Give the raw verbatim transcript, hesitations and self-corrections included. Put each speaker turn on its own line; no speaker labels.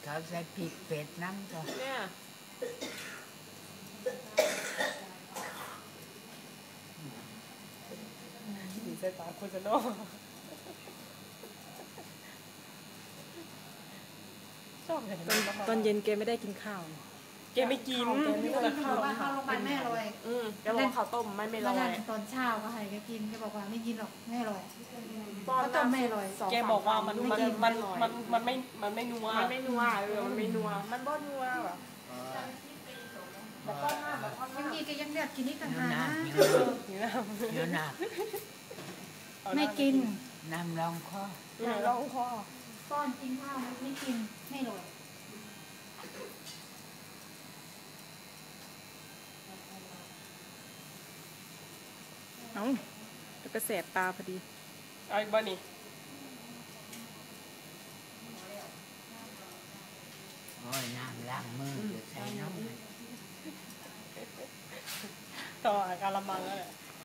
เขาใส่พริกเป็ดน้ำจ้ะ
เนี่ยดีใจตาคุณจะโน่ชอบเลย
ตอนเย็นแกไม่ได้กินข้าว
แกไม่กิน
แกไม่กินข้าวว่าข้าวโรงพยาบาลแม่อร่อย
อืมแกบอกข้าวต้มไม่ไม่อร่อย
ตอนเช้าก็ให้แกกินแกบอกว่าไม่กินหรอกแม่อร่อย
ข้าวต้มแม่อร่อยแกบอกว่ามันมันมันมันมันไม่มันไม่นัวมันไม่นัวเออมันไม่นัวมันบ่นัวแบบแต่ก้อนหน้าแบบก้อนหน้า
บางทีแกยังเลือกกินนี่ต่างหากนะ
เยอะหนัก
ไม่กิน
น้ำรองคอ
น้ำรองคอ
ป้อนกินข้าวไม่กินไม่อร่อย
เอ้าแล้วก็แสบตาพอดี
เอาอีกบ้านี่
โอ้ยน้ำล้างมือเดี๋ยวใส่น้ำ
ต่อการละมังแล้วแหละ